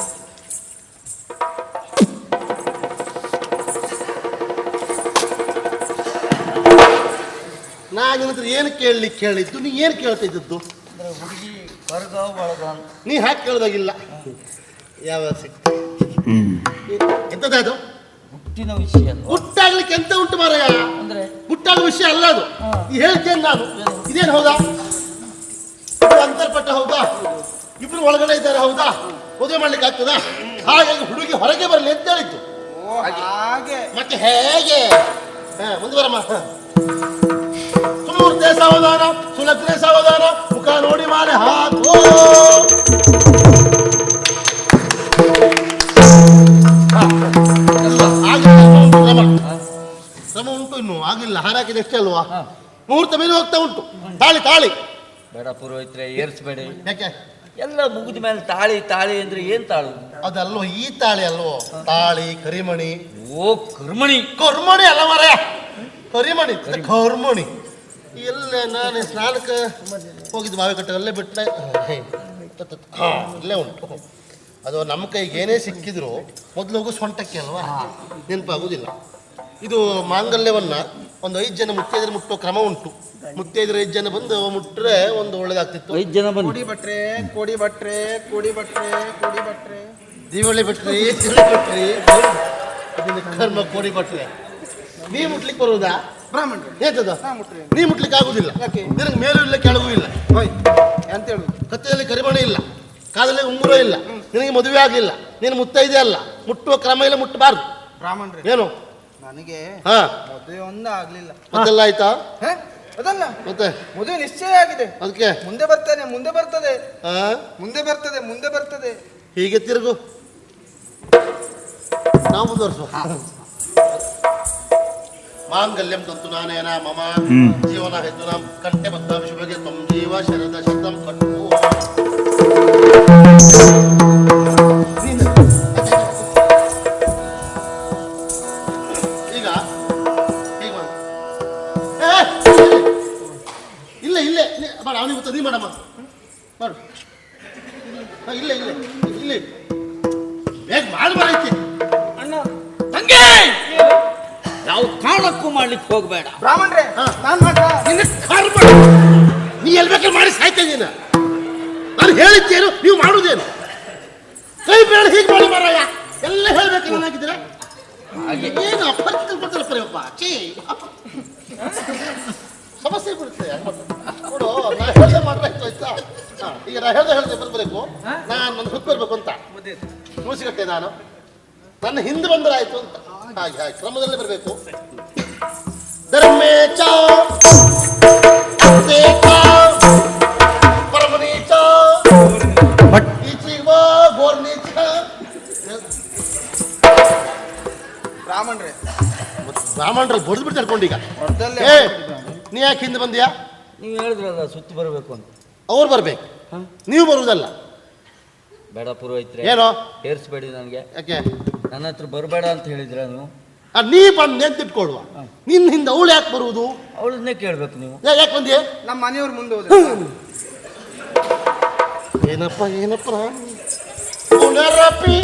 Speaker 3: ನಾ ನಿನ್ನ ಹತ್ರ ಏನು ಕೇಳಲಿಕ್ಕೆ ಕೇಳಿದ್ದು? ನೀ ಏನು ಕೇಳ್ತಾ ಇದ್ದದ್ದು?
Speaker 1: ಹುಡುಗಿ ಹೊರಗ ಒಳಗ
Speaker 3: ನೀ ಹಾಕಿ ಕೇಳ್ದಾಗಿಲ್ಲ. ಯಾವ ಸಿಕ್ತು ಎಂತದ್ದು?
Speaker 1: ಹುಟ್ಟಿನ ವಿಷಯ
Speaker 3: ಹುಟ್ಟಾಗ್ಲಿಕ್ಕೆ ಎಂತ ಉಂಟು ಮಾರಾಯ?
Speaker 1: ಅಂದ್ರೆ
Speaker 3: ಹುಟ್ಟಾಗೋ ವಿಷಯ ಅಲ್ಲ ಅದು. ಈ ಹೇಳ್ತೇನೆ ನಾನು. ಇದೇನು ಹೌದಾ? ಇದು ಅಂತರ್ಪಟ್ಟ ಹೌದಾ? ಇಬ್ರು ಒಳಗಡೆ ಇದ್ದಾರೆ ಹೌದಾ? ಮದುವೆ ಮಾಡ್ಲಿಕ್ಕೆ ಆಗ್ತದಾ? ಹಾಗಾಗಿ ಹುಡುಗಿ ಹೊರಗೆ ಬರಲಿ ಅಂತ ಹೇಳಿದ್ದು.
Speaker 2: ಹಾಗೆ
Speaker 3: ಮತ್ತೆ ಹೇಗೆ? ಮುಂದುವರಮ್ಮ. ಸುಮೂರ್ತೆ ಸಾವಧಾನ, ಸುಲಗ್ನೆ ಸಾವಧಾನ, ಮುಖ ನೋಡಿ ಮಾಲೆ ಹಾಕೋ. ಶ್ರಮ ಉಂಟು, ಇನ್ನು ಆಗಿಲ್ಲ. ಹಾರಾಕಿದ ಎಷ್ಟೇ ಅಲ್ವಾ? ಮುಹೂರ್ತ ಮೇಲೆ ಹೋಗ್ತಾ ಉಂಟು. ತಾಳಿ ತಾಳಿ
Speaker 1: ಬೇಡ ಪುರೋಹಿತ್ರೆ, ಏರ್ಸ್ಬೇಡಿ.
Speaker 3: ಯಾಕೆ?
Speaker 1: ಎಲ್ಲ ಮುಗಿದ ಮೇಲೆ ತಾಳಿ ತಾಳಿ ಅಂದ್ರೆ ಏನ್ ತಾಳು?
Speaker 3: ಅದಲ್ವೋ ಈ ತಾಳಿ ಅಲ್ವೋ? ತಾಳಿ ಕರಿಮಣಿ.
Speaker 1: ಓ ಕರ್ಮಣಿ.
Speaker 3: ಕರ್ಮಣಿ ಅಲ್ಲ ಮಾರಾಯ, ಕರಿಮಣಿ ಕರ್ಮಣಿ. ಎಲ್ಲ ನಾನು ಸ್ನಾನಕ್ಕೆ ಹೋಗಿದ್ದು ಬಾವಿ ಕಟ್ಟ ಅಲ್ಲೇ ಬಿಟ್ಟೆ. ಇಲ್ಲೇ ಉಂಟು. ಅದು ನಮ್ಮ ಕೈಗೆ ಏನೇ ಸಿಕ್ಕಿದ್ರು ಮೊದಲು ಹೋಗು ಸೊಂಟಕ್ಕೆ ಅಲ್ವಾ? ನೆನಪಾಗುವುದಿಲ್ಲ. ಇದು ಮಾಂಗಲ್ಯವನ್ನ ಒಂದು 5 ಜನ ಮುತ್ತೈದರೆ ಮುಟ್ಟೋ ಕ್ರಮ ಉಂಟು. ಮುತ್ತೈದರೆ 5 ಜನ ಬಂದು ಮುಟ್ರೆ ಒಂದು ಒಳ್ಳೇದಾಗ್ತಿತ್ತು.
Speaker 1: 5 ಜನ ಬಂದು
Speaker 2: ಕೋಡಿ ಭಟ್ರೆ, ಕೋಡಿ ಭಟ್ರೆ, ಕೋಡಿ ಭಟ್ರೆ, ಕೋಡಿ ಭಟ್ರೆ,
Speaker 3: ದೀವಳಿ ಬಿಟ್ರಿ, ತಿಳಿ ಬಿಟ್ರಿ, ಕರ್ಮ ಕೋಡಿ ಭಟ್ರೆ. ನೀ ಮುಟ್ಲಿಕ್ಕೆ ಬರುವುದಾ?
Speaker 2: ಬ್ರಾಹ್ಮಣರು
Speaker 3: ಏತದ?
Speaker 2: ಮುಟ್ರಿ.
Speaker 3: ನೀ ಮುಟ್ಲಿಕ್ಕೆ ಆಗುದಿಲ್ಲ.
Speaker 2: ಯಾಕೆ?
Speaker 3: ನಿನಗೆ ಮೇಲೂ ಇಲ್ಲ ಕೆಳಗೂ ಇಲ್ಲ.
Speaker 2: ಹೋಯ್ ಎಂತ ಹೇಳುದು?
Speaker 3: ಕತ್ತೆಯಲ್ಲಿ ಕರಿಮಣಿ ಇಲ್ಲ, ಕಾಲಲ್ಲಿ ಉಂಗುರ ಇಲ್ಲ, ನಿನಗೆ ಮದುವೆ ಆಗಲಿಲ್ಲ, ನೀನು ಮುತ್ತೈದೆ ಅಲ್ಲ, ಮುಟ್ಟುವ ಕ್ರಮ ಇಲ್ಲ, ಮುಟ್ಟಬಾರ್ದು.
Speaker 2: ಬ್ರಾಹ್ಮಣರೇ,
Speaker 3: ಏನು
Speaker 2: ನನಗೆ
Speaker 3: ಹಾ
Speaker 2: ಮದುವೆ ಒಂದು ಆಗ್ಲಿಲ್ಲ.
Speaker 3: ಮತ್ತೆಲ್ಲ ಆಯ್ತಾ?
Speaker 2: ಅದಲ್ಲ,
Speaker 3: ಮತ್ತೆ
Speaker 2: ಮದುವೆ ನಿಶ್ಚಯ ಆಗಿದೆ.
Speaker 3: ಅದಕ್ಕೆ
Speaker 2: ಮುಂದೆ ಬರ್ತೇನೆ, ಮುಂದೆ ಬರ್ತದೆ,
Speaker 3: ಹಾ
Speaker 2: ಮುಂದೆ ಬರ್ತದೆ, ಮುಂದೆ ಬರ್ತದೆ.
Speaker 3: ಹೀಗೆ ತಿರುಗು, ನಾವು ಮುಂದುವರ್ಸುವ. ಮಾಂಗಲ್ಯಂ ತಂತು ನಾನೇನ ಮಮ ಜೀವನ ಹೆದ್ದು ನಮ್ಮ ಕಂಠೆ ಬದ್ಧ ಶುಭಗೆ ತ್ವಂ ಜೀವ ಶರದ ಶಬ್ದಂ ಕಟ್ಟು. ಈಗ ಹೇಗೆ ಮಾಡು? ಇಲ್ಲ ಇಲ್ಲೇ ಬೇಡ, ಅವನಿಗೆ ಗೊತ್ತ. ನೀ ಮಾಡಮ್ಮ, ಮಾಡು. ಇಲ್ಲೇ ಇಲ್ಲೇ ಇಲ್ಲಿ ಬೇಗ ಮಾಡಿ ಬರೈತಿ.
Speaker 1: ಅಣ್ಣ ತಂಗೆ ಯಾವ ಕಾರಣಕ್ಕೂ ಮಾಡ್ಲಿಕ್ಕೆ ಹೋಗ್ಬೇಡ.
Speaker 2: ಬ್ರಾಹ್ಮಣರೇ, ನಾನ್ ಮಾತ್ರ
Speaker 3: ನಿನ್ನ ಕರ್ಮ. ನೀ ಎಲ್ಲಿ ಬೇಕಾದ್ರೆ ಮಾಡಿ ಸಾಯ್ತಾ ಇದ್ದೀನ. ನಾನು ಹೇಳಿದ್ದೇನು, ನೀವು ಮಾಡುವುದೇನು? ಕೈ ಬೇಡ ಹೀಗೆ ಮಾಡಿ ಮಾರಾಯ. ಎಲ್ಲ ಹೇಳ್ಬೇಕು ಏನಾಗಿದ್ದೀರಾ
Speaker 1: ಹಾಗೆ
Speaker 3: ಏನು ಅಪರಿಚಿತ ಬರ್ತಾರೆ ಪರಪ್ಪ ಚೀ ಸಮಸ್ಯೆ ಬರುತ್ತೆ ನೋಡು ನಾ ಹೇಳ್ದೆ ಮಾತ್ರ ಆಯ್ತು ಆಯ್ತಾ ಈಗ ನಾ ಹೇಳ್ದೆ ಬರ್ಬೇಕು ನಾನು ನನ್ನ ಹುಟ್ಟು ಬರ್ಬೇಕು ಅಂತ ಮುಗಿಸಿಗಟ್ಟೆ ನಾನು ನನ್ನ ಹಿಂದೆ ಬಂದ್ರೆ ಆಯ್ತು ಅಂತ ಹಾಗೆ ಹಾಗೆ ಕ್ರಮದಲ್ಲೇ ಬರಬೇಕು ಧರ್ಮೇಚ ಪರಮನೀಚ ಈಚೀಗ ಗೋರ್ನೀಚ ಬ್ರಾಹ್ಮಣರಲ್ಲಿ ಬಡ್ದು ಬಿಟ್ಟು ತಡ್ಕೊಂಡೀಗ ಏ ನೀ ಯಾಕೆ ಹಿಂದೆ ಬಂದ್ಯಾ
Speaker 1: ನೀವು ಹೇಳಿದ್ರಲ್ಲ ಸುತ್ತಿ ಬರಬೇಕು ಅಂತ.
Speaker 3: ಅವ್ರು ಬರ್ಬೇಕು ನೀವು ಬರುವುದಲ್ಲ.
Speaker 1: ಬೇಡ ಪುರೋಹಿತ್ರೆ,
Speaker 3: ಏನೋ
Speaker 1: ಏರ್ಸ್ಬೇಡಿ ನನಗೆ.
Speaker 3: ಯಾಕೆ
Speaker 1: ನನ್ನ ಹತ್ರ ಬರಬೇಡ ಅಂತ ಹೇಳಿದ್ರ ನೀವು?
Speaker 3: ನೀ ಬಂದು ಎತ್ತಿಟ್ಕೊಳ್ವ ನಿನ್ನ ಹಿಂದೆ ಅವಳು ಯಾಕೆ ಬರುವುದು?
Speaker 1: ಅವಳನ್ನೇ ಕೇಳ್ಬೇಕು ನೀವು.
Speaker 3: ಯಾಕೆ ಬಂದ್ಯಾ?
Speaker 2: ನಮ್ಮ ಮನೆಯವ್ರ ಮುಂದೆ ಹೋದ
Speaker 3: ಏನಪ್ಪ ಪುನರಪಿ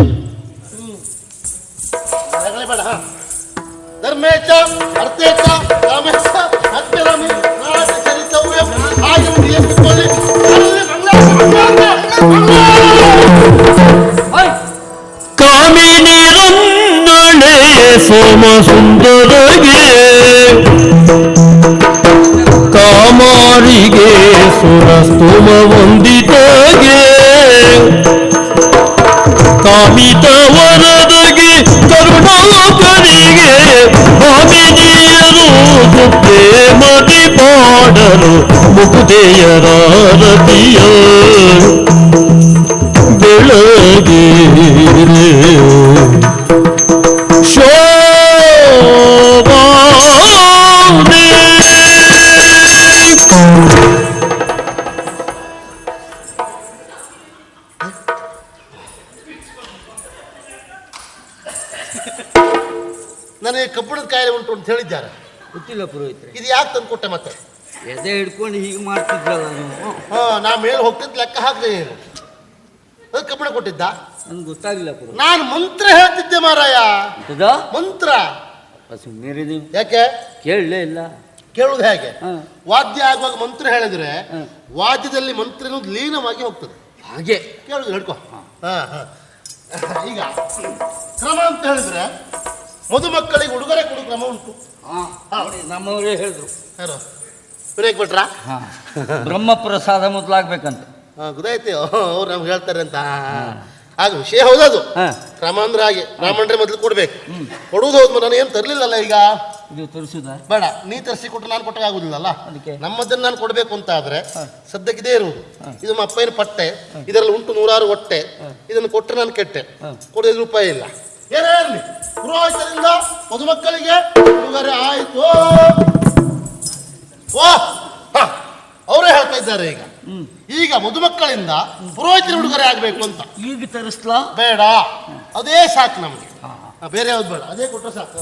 Speaker 3: ಬೇಡ. ಧರ್ಮೇಚ ಅರ್ಥೇಚ ರಾಮೇಚ ಹತ್ತಿರಮಿ ನಾಡ ಚರಿತವ್ಯಂ ಹಾಗೆ ಕೂತ್ಕೊಳ್ಳಿ.
Speaker 4: ಕಾಮಿನಿರನ್ನಳೆ ಸೋಮ ಸುಂದರಗೆ ಕಾಮಾರಿಗೆ ಸುರಸ್ತುಮ ವಂದಿತಗೆ ಕಾಮಿತ ವರದಗೆ ಕರುಣಾಕರಿಗೆ ಭಾಮಿನಿಯರು ಪ್ರೇಮದಿ ಪಾಡಲು ಮುಕುದೆಯರಾರತಿಯ ಬೆಳಗ್ಗೆ ಶೋಭಾನೆ
Speaker 3: ನನಗೆ ಕಬ್ಬಿಣದ ಕಾಯಿಲೆ ಉಂಟು ಅಂತ ಹೇಳಿದ್ದಾರೆ.
Speaker 1: ಗೊತ್ತಿಲ್ಲ ಪುರೋಹಿತ್ರೆ.
Speaker 3: ಇದು ಯಾಕೆ ತಂದು ಕೊಟ್ಟೆ ಮತ್ತೆ?
Speaker 1: ಎದೆ ಹಿಡ್ಕೊಂಡು ಹೀಗೆ ಮಾಡ್ತಿದ್ರಲ್ಲ ನೀವು.
Speaker 3: ನಾ ಮೇಲೆ ಹೋಗ್ತಿದ್ದು ಲೆಕ್ಕ ಹಾಕ್ದೆ ಏನು ಅದು ಕಬ್ಬಿಣ ಕೊಟ್ಟಿದ್ದ?
Speaker 1: ನನ್ಗೆ ಗೊತ್ತಾಗಿಲ್ಲ ಪುರೋಹಿತ್ರೆ.
Speaker 3: ನಾನು ಮಂತ್ರ ಹೇಳ್ತಿದ್ದೆ ಮಾರಾಯ. ಮಂತ್ರ
Speaker 1: ಸುಮ್ಮನೆ ನೀವು.
Speaker 3: ಯಾಕೆ
Speaker 1: ಕೇಳಲೇ ಇಲ್ಲ.
Speaker 3: ಕೇಳುವುದು ಹೇಗೆ?
Speaker 1: ಹಾ.
Speaker 3: ವಾದ್ಯ ಆಗುವಾಗ ಮಂತ್ರ ಹೇಳಿದ್ರೆ ವಾದ್ಯದಲ್ಲಿ ಮಂತ್ರ ಅನ್ನೋದು ಲೀನವಾಗಿ ಹೋಗ್ತದೆ.
Speaker 1: ಹಾಗೆ
Speaker 3: ಕೇಳುದು ಹಿಡ್ಕೊ. ಈಗ ಕ್ರಮ ಅಂತ ಹೇಳಿದ್ರೆ ಮದುಮಕ್ಕಳಿಗೆ ಉಡುಗೊರೆ ಕೊಡು ಕ್ರಮ ಉಂಟು.
Speaker 1: ನಮ್ಮವರೇ ಹೇಳಿದ್ರು.
Speaker 3: ಯಾರು ವಿನಾಯಕ್ ಭಟ್ರ?
Speaker 1: ಬ್ರಹ್ಮಪ್ರಸಾದ ಮೊದಲಾಗ್ಬೇಕಂತ.
Speaker 3: ಗೊತ್ತಾಯ್ತು ಅವ್ರು ನಮ್ಗೆ ಹೇಳ್ತಾರೆ ಅಂತ. ಆಗ ವಿಷಯ ಹೌದದು. ಕ್ರಮ ಅಂದ್ರೆ ಹಾಗೆ ಬ್ರಾಹ್ಮಣರೇ ಮೊದಲು ಕೊಡ್ಬೇಕು. ಕೊಡುವುದು ಹೌದು. ನಾನು ಏನು ತರ್ಲಿಲ್ಲಲ್ಲ ಈಗ.
Speaker 1: ಇದು ತರಿಸುದ
Speaker 3: ಬೇಡ, ನೀ ತರಿಸಿ ಕೊಟ್ಟರೆ ನಾನು ಕೊಟ್ಟಾಗ ಆಗುದಿಲ್ಲಲ್ಲ.
Speaker 1: ಅದಕ್ಕೆ
Speaker 3: ನಮ್ಮದನ್ನು ನಾನು ಕೊಡಬೇಕು ಅಂತ ಆದ್ರೆ ಸದ್ಯಕ್ಕೆ ಇದೇ ಇರುವುದು. ಇದು ನಮ್ಮ ಅಪ್ಪನ ಪಟ್ಟೆ, ಇದರಲ್ಲಿ ಉಂಟು 106 ಹೊಟ್ಟೆ. ಇದನ್ನು ಕೊಟ್ಟರೆ ನಾನು ಕೆಟ್ಟೆ, ಕೊಡೋದು ರೂಪಾಯಿ ಇಲ್ಲ. ಏನೇ ಇರಲಿ, ಪುರೋಹಿತರಿಂದ ಮದುಮಕ್ಕಳಿಗೆ ಉಡುಗೊರೆ ಆಯ್ತು. ಅವರೇ ಹೇಳ್ತಾ ಇದ್ದಾರೆ ಈಗ ಮದುಮಕ್ಕಳಿಂದ ಪುರೋಹಿತರ ಉಡುಗೊರೆ ಆಗ್ಬೇಕು ಅಂತ.
Speaker 1: ಈಗ ತರಿಸ್ಲಾ?
Speaker 3: ಬೇಡ, ಅದೇ ಸಾಕು ನಮ್ಗೆ. ಬೇರೆ ಯಾವ್ದು ಬೇಡ, ಅದೇ ಕೊಟ್ಟರೆ ಸಾಕು.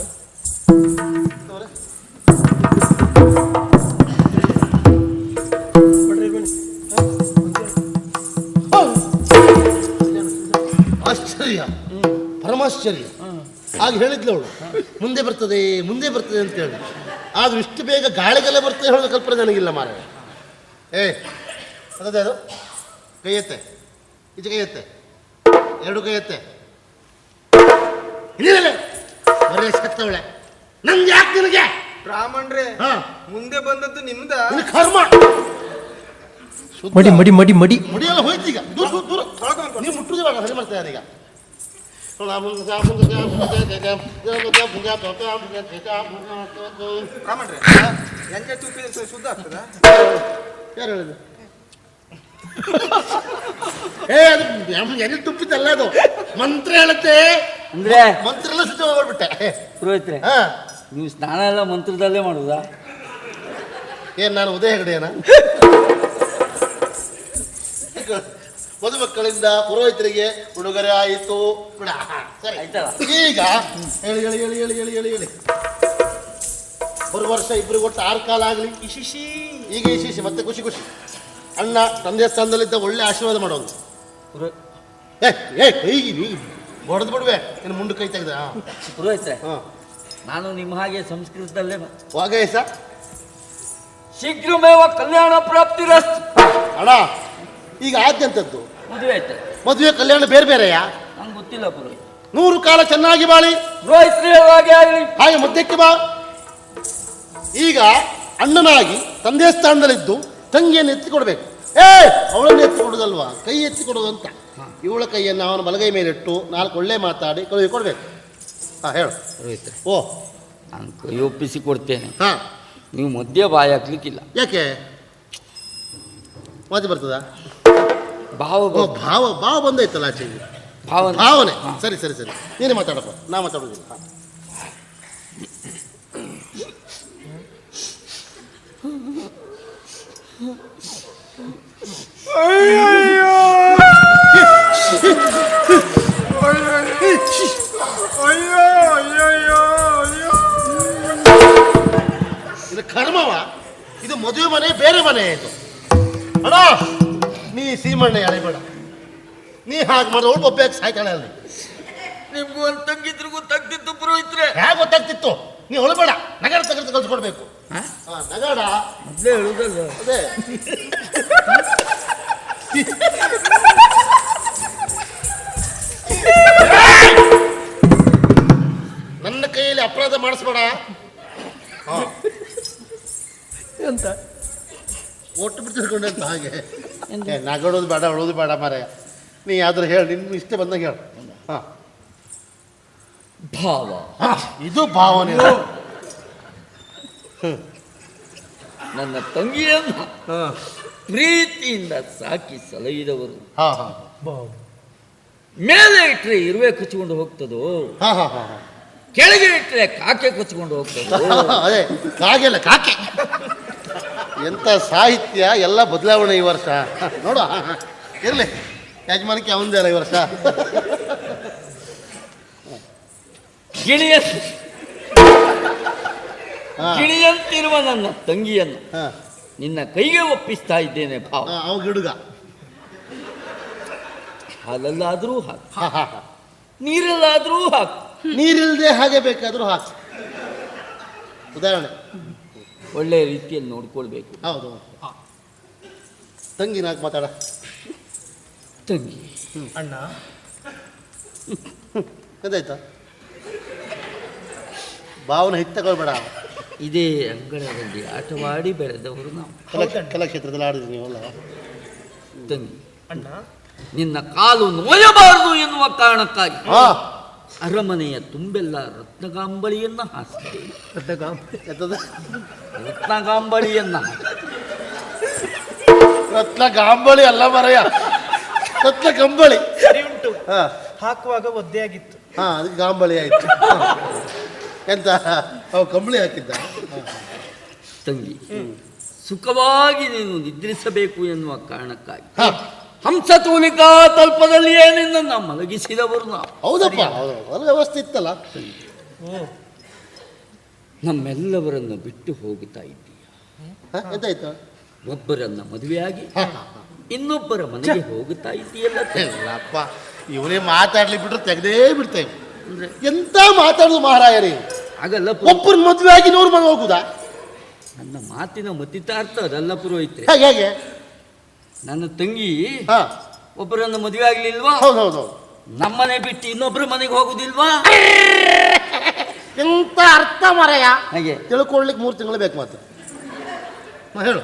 Speaker 3: ಆಶ್ಚರ್ಯ, ಪರಮಾಶ್ಚರ್ಯ. ಆಗ ಹೇಳಿದ್ಲು ಅವಳು ಮುಂದೆ ಬರ್ತದೆ ಅಂತ ಹೇಳಿ. ಆದ್ರೂ ಇಷ್ಟು ಬೇಗ ಗಾಳಿಗೆಲ್ಲ ಬರ್ತದೆ ಹೇಳೋ ಕಲ್ಪನೆ ನನಗಿಲ್ಲ ಮಾರ. ಅದೇ ಅದು ಕೈ ಎತ್ತೆ, ಈಚೆ ಕೈ ಎತ್ತೆ, ಎರಡು ಕೈ ಎತ್ತೆ. ಬರೇ ಸತ್ತವಳೆ. ನಮ್ಗೆ ಯಾಕೆ ನಿನಗೆ?
Speaker 2: ಬ್ರಾಹ್ಮಣ್ರೆ ಮುಂದೆ ಬಂದದ್ದು ನಿಮ್ದ
Speaker 3: ಕರ್ಮ.
Speaker 4: ಮಡಿ ಮಡಿ ಮಡಿ ಮಡಿ
Speaker 3: ಮುಡಿಯೆಲ್ಲ ಹೋಯ್ತು ಈಗ. ದೂರ ನೀವು ಮುಟ್ಟುದೇ ಬೇಡ, ಸರಿ ಮಾಡ್ತಾ ಈಗ.
Speaker 2: ಬ್ರಾಹ್ಮಣ್ರೆ ಎಂಜೆ ತುಪ್ಪಿದ ಶುದ್ಧ ಆಗ್ತದ?
Speaker 3: ಯಾರು ಹೇಳಿದ್ರು? ಎಣ್ಣೆ ತುಪ್ಪಿದ್ದಲ್ಲ ಅದು, ಮಂತ್ರ ಹೇಳುತ್ತೆ.
Speaker 1: ಅಂದ್ರೆ
Speaker 3: ಮಂತ್ರ ಎಲ್ಲ ಶುದ್ಧ ಮಾಡ್ಬಿಟ್ಟೆ.
Speaker 1: ಪುರೋಹಿತ್ರೆ, ನೀವು ಸ್ನಾನ ಎಲ್ಲ ಮಂತ್ರದಲ್ಲೇ ಮಾಡುದಾ?
Speaker 3: ಏನ್ ನಾನು ಉದಯ ಹೆಗಡೆಯನ? ಮದುಮಕ್ಕಳಿಂದ ಪುರೋಹಿತರಿಗೆ ಉಡುಗೊರೆ ಆಯಿತು. ಸರಿ
Speaker 1: ಆಯ್ತಲ್ಲ.
Speaker 3: ಈಗ ಹೇಳಿ ಹೇಳಿ ಹೇಳಿ ಹೇಳಿ ಹೇಳಿ ಹೇಳಿ ಹೇಳಿ ಬರುವ ವರ್ಷ ಇಬ್ಬರು ಒಟ್ಟು 6 ಕಾಲ ಆಗಲಿ. ಈಗ ಇಶಿಶಿ ಮತ್ತೆ ಖುಷಿ ಖುಷಿ. ಅಣ್ಣ ತಂದೆ ಸ್ಥಾನದಲ್ಲಿದ್ದ ಒಳ್ಳೆ ಆಶೀರ್ವಾದ ಮಾಡೋದು. ಕೈಗಿ ಹೊಡೆದು ಬಿಡುವೆ ಇನ್ನು ಮುಂದೆ ಕೈ ತೆಗೆದ.
Speaker 1: ಪುರೋಹಿತ್ರೆ, ನಾನು ನಿಮ್ಮ ಹಾಗೆ ಸಂಸ್ಕೃತದಲ್ಲೇ
Speaker 3: ವಾಗೇಶ
Speaker 1: ಶೀಘ್ರಮೇವ ಕಲ್ಯಾಣ ಪ್ರಾಪ್ತಿರಸ್ತು.
Speaker 3: ಅಣ್ಣ ಈಗ ಆದ್ಯಂತದ್ದು
Speaker 1: ಮದುವೆ ಆಯ್ತು.
Speaker 3: ಮದುವೆ ಕಲ್ಯಾಣ ಬೇರೆ ಬೇರೆಯಾ?
Speaker 1: ನಂಗೆ ಗೊತ್ತಿಲ್ಲ ಪುರೋಹಿತ್.
Speaker 3: 100 ಕಾಲ ಚೆನ್ನಾಗಿ ಬಾಳಿ.
Speaker 1: ಪುರೋಹಿತರು ಹೇಳುವ ಹಾಗೆ ಆಗಲಿ.
Speaker 3: ಹಾಗೆ ಮಧ್ಯಕ್ಕೆ ಬಾ. ಈಗ ಅಣ್ಣನಾಗಿ ತಂದೆ ಸ್ಥಾನದಲ್ಲಿದ್ದು ತಂಗಿಯನ್ನು ಎತ್ತಿ ಕೊಡಬೇಕು. ಅವಳನ್ನು ಎತ್ತಿ ಕೊಡುದಲ್ವಾ, ಕೈ ಎತ್ತಿ ಕೊಡುದು ಅಂತ. ಇವಳ ಕೈಯನ್ನು ಅವನ ಬಲಗೈ ಮೇಲಿಟ್ಟು 4 ಒಳ್ಳೆ ಮಾತಾಡಿ ಕಳುಹಿ ಕೊಡ್ಬೇಕು. ಹೇಳು
Speaker 1: ಪುರೋಹಿತರೆ,
Speaker 3: ಓ
Speaker 1: ನಾನು ಕೈ ಒಪ್ಪಿಸಿ ಕೊಡ್ತೇನೆ.
Speaker 3: ಹಾ,
Speaker 1: ನೀವು ಮಧ್ಯ ಬಾಯಿ ಹಾಕ್ಲಿಕ್ಕಿಲ್ಲ.
Speaker 3: ಯಾಕೆ ಮಾತಿ ಬರ್ತದ?
Speaker 1: ಭಾವ
Speaker 3: ಭಾವ ಭಾವ ಬಂದೈತಲ್ಲ ಆಚೆಗೆ. ಭಾವನೆ. ಸರಿ ಸರಿ ಸರಿ, ನೀನೇ ಮಾತಾಡಪ್ಪ, ನಾ ಮಾತಾಡೋದಿಲ್ಲ. ಇದು ಕರ್ಮವ, ಇದು ಮದುವೆ ಮನೆ ಬೇರೆ ಮನೆ ಇದು. ಅಣ್ಣ ನೀ ಸೀಮಣ್ಣೆ ಎಳೆಬೇಡ, ನೀ ಹಾಗೆ ಮಾಡಿದ ಅವಳು ಒಬ್ಬ ಸಾಯ್ತಾಳೆ ಅಲ್ಲಿ.
Speaker 1: ನಿಮ್ಗೂ ಒಂದು ತಂಗಿದ್ರು ಗೊತ್ತಾಗ್ತಿತ್ತು ಪುರೋಹಿತ್ರೆ.
Speaker 3: ಹೇಗೆ ಗೊತ್ತಾಗ್ತಿತ್ತು? ನೀ ಹೊಳಬೇಡ, ನಗರ ತಗರ್ತು ಕಲ್ಸ್ಕೊಡ್ಬೇಕು. ನಗಾಡ
Speaker 1: ಮೊದಲೇ ಹೇಳುದಲ್ಲ.
Speaker 3: ಅದೇ ನನ್ನ ಕೈಯಲ್ಲಿ ಅಪರಾಧ ಮಾಡಿಸ್ಬೇಡ.
Speaker 2: ಎಂತ
Speaker 3: ಒಟ್ಟು ಬಿಟ್ಟಿಸ್ಕೊಂಡೆ ಅಂತ ಹಾಗೆ ನಗಾಡೋದು ಬೇಡ, ಅಳೋದು ಬೇಡ ಮಾರಾಯ. ನೀ ಯಾವ್ದಾರು ಹೇಳಿ, ನಿನ್ನ ಇಷ್ಟ ಬಂದಾಗ ಹೇಳು. ಹಾ,
Speaker 1: ಭಾವ
Speaker 3: ಇದು ಭಾವನೆ.
Speaker 1: ನನ್ನ ತಂಗಿಯನ್ನು ಪ್ರೀತಿಯಿಂದ ಸಾಕಿ ಸಲಹಿದವರು.
Speaker 3: ಹಾ ಹಾ
Speaker 1: ಮೇಲೆ ಇಟ್ಟರೆ ಇರುವೆ ಕಚ್ಕೊಂಡು ಹೋಗ್ತದೋ,
Speaker 3: ಹಾ ಹಾ ಹಾ,
Speaker 1: ಕೆಳಗೆ ಇಟ್ಟರೆ ಕಾಕೆ ಕಚ್ಕೊಂಡು ಹೋಗ್ತದೋ.
Speaker 3: ಅದೇ ಕಾಗೆಲ್ಲ ಕಾಕೆ. ಎಂತ ಸಾಹಿತ್ಯ, ಎಲ್ಲ ಬದಲಾವಣೆ ಈ ವರ್ಷ. ನೋಡ ಇರ್ಲಿ, ಯಜಮಾನಕ್ಕೆ ಅವಂದೇ ಅಲ್ಲ ಈ ವರ್ಷ.
Speaker 1: ಗಿಣಿಯಂತಿರುವ ನನ್ನ ತಂಗಿಯನ್ನು
Speaker 3: ಹಾ,
Speaker 1: ನಿನ್ನ ಕೈಗೆ ಒಪ್ಪಿಸ್ತಾ ಇದ್ದೇನೆ ಭಾವ.
Speaker 3: ಅವ ಗಿಡುಗ.
Speaker 1: ಹಾಲಲ್ಲಾದ್ರೂ ಹಾಕು,
Speaker 3: ಹಾ ಹಾ ಹಾ,
Speaker 1: ನೀರಲ್ಲಾದ್ರೂ ಹಾಕು.
Speaker 3: ನೀರಿಲ್ದೆ ಹಾಗೆ ಬೇಕಾದ್ರೂ ಹಾಕಿ. ಉದಾಹರಣೆ
Speaker 1: ಒಳ್ಳೆಯ ರೀತಿಯಲ್ಲಿ ನೋಡ್ಕೊಳ್ಬೇಕು.
Speaker 3: ಹೌದು. ತಂಗಿ ನಾಲ್ಕು ಮಾತಾಡ.
Speaker 1: ತಂಗಿ
Speaker 2: ಅಣ್ಣ,
Speaker 3: ಅದಾಯ್ತಾ? ಭಾವನೆ ಹಿಟ್ ತಗೊಳ್ಬೇಡ.
Speaker 1: ಇದೇ ಅಂಗಳದಲ್ಲಿ ಆಟವಾಡಿ ಬೆಳೆದವರು ನಾವು.
Speaker 3: ಕಲಾಕ್ಷೇತ್ರದಲ್ಲಿ ಆಡಿದ್ರಿ ನೀವಲ್ಲ.
Speaker 1: ತಂಗಿ,
Speaker 2: ಅಣ್ಣ
Speaker 1: ನಿನ್ನ ಕಾಲು ನೋಯಬಾರದು ಎನ್ನುವ ಕಾರಣಕ್ಕಾಗಿ
Speaker 3: ಹಾ,
Speaker 1: ಅರಮನೆಯ ತುಂಬೆಲ್ಲ ರತ್ನಗಾಂಬಳಿಯನ್ನ ಹಾಕಿದೆ.
Speaker 3: ಎಂತದು?
Speaker 1: ರತ್ನಗಾಂಬಳಿಯನ್ನ
Speaker 3: ರತ್ನ ಗಾಂಬಳಿ ಅಲ್ಲ ಮರಯ್ಯ, ರತ್ನ ಕಂಬಳಿ.
Speaker 2: ಸರಿ ಉಂಟು,
Speaker 3: ಹಾ
Speaker 2: ಹಾಕುವಾಗ ಒದ್ದೆ ಆಗಿತ್ತು.
Speaker 3: ಹಾ, ಅದಕ್ಕೆ ಗಾಂಬಳಿ ಆಯ್ತು. ಎಂತ ಅವ ಕಂಬಳಿ ಹಾಕಿದ್ದ?
Speaker 1: ತಂಗಿ, ಸುಖವಾಗಿ ನೀನು ನಿದ್ರಿಸಬೇಕು ಎನ್ನುವ ಕಾರಣಕ್ಕಾಗಿ
Speaker 3: ಹಾ,
Speaker 1: ಹಂಸತೂಲಿಕಾ ತಲ್ಪದಲ್ಲಿಯೇ ನಿನ್ನನ್ನು ಮಲಗಿಸಿದವರು ನಾವು.
Speaker 3: ಹೌದಪ್ಪ, ಹೌದು, ಅದು ವ್ಯವಸ್ಥೆ ಇತ್ತಲ್ಲ.
Speaker 1: ನಮ್ಮೆಲ್ಲವರನ್ನು ಬಿಟ್ಟು ಹೋಗುತ್ತಾ ಇದ್ದೀಯ.
Speaker 3: ಎಂತಾಯ್ತು?
Speaker 1: ಒಬ್ಬರನ್ನ ಮದುವೆಯಾಗಿ
Speaker 3: ಹಾ, ಹಾ, ಹಾ.
Speaker 1: ಇನ್ನೊಬ್ಬರ ಮನೆಗೆ ಹೋಗುತ್ತಾ ಇದ್ದೀಯಲ್ಲ ತಂಗಿ.
Speaker 3: ಇಲ್ಲಪ್ಪ, ಇವರೇ ಮಾತಾಡ್ಲಿ ಬಿಟ್ರು ತೆಗೆದೇ ಬಿಡ್ತೇವೆ.
Speaker 1: ಅಂದ್ರೆ
Speaker 3: ಎಂತ ಮಾತಾಡುದು ಮಹಾರಾಯರೇ?
Speaker 1: ಆಗಲ್ಲ
Speaker 3: ಒಬ್ಬರ ಮದುವೆ ಆಗಿ 100 ಮನೆ ಹೋಗುದಾ?
Speaker 1: ನನ್ನ ಮಾತಿನ ಮತಿತಾರ್ಥ ಅದಲ್ಲ ಪುರೋಹಿತ್ರೆ.
Speaker 3: ಹೇಗೆ ಹೇಗೆ?
Speaker 1: ನನ್ನ ತಂಗಿ
Speaker 3: ಹಾ,
Speaker 1: ಒಬ್ಬರನ್ನ ಮದುವೆ ಆಗ್ಲಿಲ್ವಾ?
Speaker 3: ಹೌದು ಹೌದು.
Speaker 1: ನಮ್ಮನೆ ಬಿಟ್ಟು ಇನ್ನೊಬ್ಬರ ಮನೆಗೆ ಹೋಗುದಿಲ್ವಾ?
Speaker 3: ಎಂತ ಅರ್ಥ ಮರಯ್ಯ?
Speaker 1: ಹಾಗೆ
Speaker 3: ತಿಳ್ಕೊಳ್ಳಿಕ್ಕೆ 3 ತಿಂಗಳು ಬೇಕು ಮಾತ್ರ. ಹೇಳು.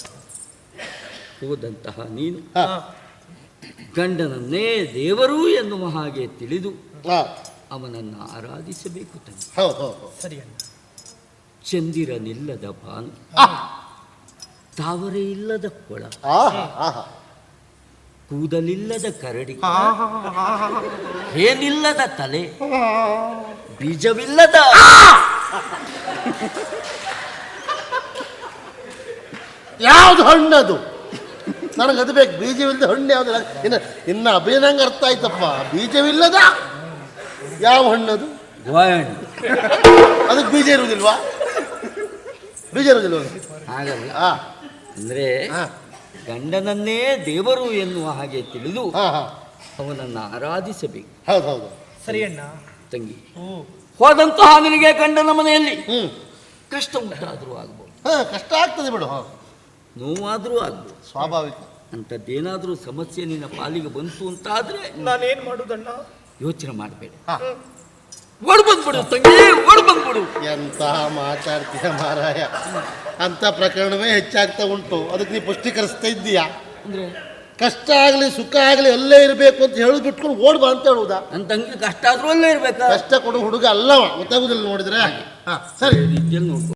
Speaker 1: ಹೋದಂತಹ ನೀನು
Speaker 3: ಹಾ,
Speaker 1: ಗಂಡನನ್ನೇ ದೇವರು ಎನ್ನುವ ಹಾಗೆ ತಿಳಿದು
Speaker 3: ಹಾ,
Speaker 1: ಅವನನ್ನು ಆರಾಧಿಸಬೇಕು ತಂಗಿ.
Speaker 3: ಹೌದು ಹೌದು.
Speaker 2: ಸರಿ ಅಣ್ಣ.
Speaker 1: ಚಂದಿರನಿಲ್ಲದ ಭಾನು, ತಾವರೆ ಇಲ್ಲದ ಕೊಳ,
Speaker 3: ಆಹಾ ಆಹಾ,
Speaker 1: ಕೂದಲಿಲ್ಲದ ಕರಡಿ, ಏನಿಲ್ಲದ ತಲೆ, ಬೀಜವಿಲ್ಲದ
Speaker 3: ಯಾವ್ದು ಹಣ್ಣದು? ನನಗದು ಬೇಕು. ಬೀಜವಿಲ್ಲದ ಹಣ್ಣು ಯಾವ್ದು? ಇನ್ನ ಅಭಿನಂಗ ಅರ್ಥ ಆಯ್ತಪ್ಪ. ಬೀಜವಿಲ್ಲದ ಯಾವ ಹಣ್ಣದು?
Speaker 1: ಗೋಯಣ್ಣು.
Speaker 3: ಅದಕ್ಕೆ ಬೀಜ ಇರುವುದಿಲ್ವಾ? ಬೀಜ ಇರುವುದಿಲ್ವ?
Speaker 1: ಹಾಗಲ್ಲ,
Speaker 3: ಹಾ
Speaker 1: ಅಂದ್ರೆ
Speaker 3: ಹಾ
Speaker 1: ಗಂಡನನ್ನೇ ದೇವರು ಎನ್ನುವ ಹಾಗೆ ತಿಳಿದು
Speaker 3: ಹಾ ಹಾ,
Speaker 1: ಅವನನ್ನು ಆರಾಧಿಸಬೇಕು
Speaker 3: ಹೌದು ಹೌದು.
Speaker 2: ಸರಿ ಅಣ್ಣ.
Speaker 1: ತಂಗಿ.
Speaker 2: ಓ,
Speaker 1: ಹೋದಂತಹ ನಿನಗೆ ಗಂಡನ ಮನೆಯಲ್ಲಿ
Speaker 3: ಹ್ಮ್,
Speaker 1: ಕಷ್ಟ ಉಂಟಾದರೂ ಆಗ್ಬೋದು,
Speaker 3: ಹಾ, ಕಷ್ಟ ಆಗ್ತದೆ ಬಿಡು. ಹಾ,
Speaker 1: ನೋವಾದರೂ ಆಗ್ಬೋದು.
Speaker 3: ಸ್ವಾಭಾವಿಕ.
Speaker 1: ಅಂಥದ್ದೇನಾದರೂ ಸಮಸ್ಯೆ ನಿನ್ನ ಪಾಲಿಗೆ ಬಂತು ಅಂತಾದ್ರೆ
Speaker 2: ನಾನೇನ್ ಮಾಡುದಣ್ಣ?
Speaker 1: ಯೋಚನೆ ಮಾಡಬೇಡ,
Speaker 3: ಹಾ.
Speaker 1: ಓಡ್ ಬಂದ್ಬಿಡು ತಂಗಿ, ಓಡ್ ಬಂದ್ಬಿಡು.
Speaker 3: ಎಂತ ಮಾತಾಡ್ತೀಯ ಮಾರಾಯ, ಅಂತ ಪ್ರಕರಣವೇ ಹೆಚ್ಚಾಗ್ತಾ ಉಂಟು. ಅದಕ್ಕೆ ನೀ ಪುಷ್ಟೀಕರಿಸ್ತಾ ಇದ್ದೀಯಾ?
Speaker 1: ಅಂದ್ರೆ
Speaker 3: ಕಷ್ಟ ಆಗಲಿ ಸುಖ ಆಗಲಿ ಅಲ್ಲೇ ಇರಬೇಕು ಅಂತ ಹೇಳಿ ಬಿಟ್ಕೊಂಡು ಓಡ್ ಬಾ ಅಂತ ಹೇಳುವುದಾ?
Speaker 1: ನನ್ನ ತಂಗಿ ಕಷ್ಟ ಆದ್ರೂ ಅಲ್ಲೇ ಇರ್ಬೇಕಾ?
Speaker 3: ಕಷ್ಟ ಕೊಡು ಹುಡುಗ ಅಲ್ಲವ, ಗೊತ್ತಾಗುದಿಲ್ಲ ನೋಡಿದ್ರೆ. ಹಾ ಸರಿ.
Speaker 1: ರೀತಿಯಲ್ಲಿ ನೋಡ್ಕೊ.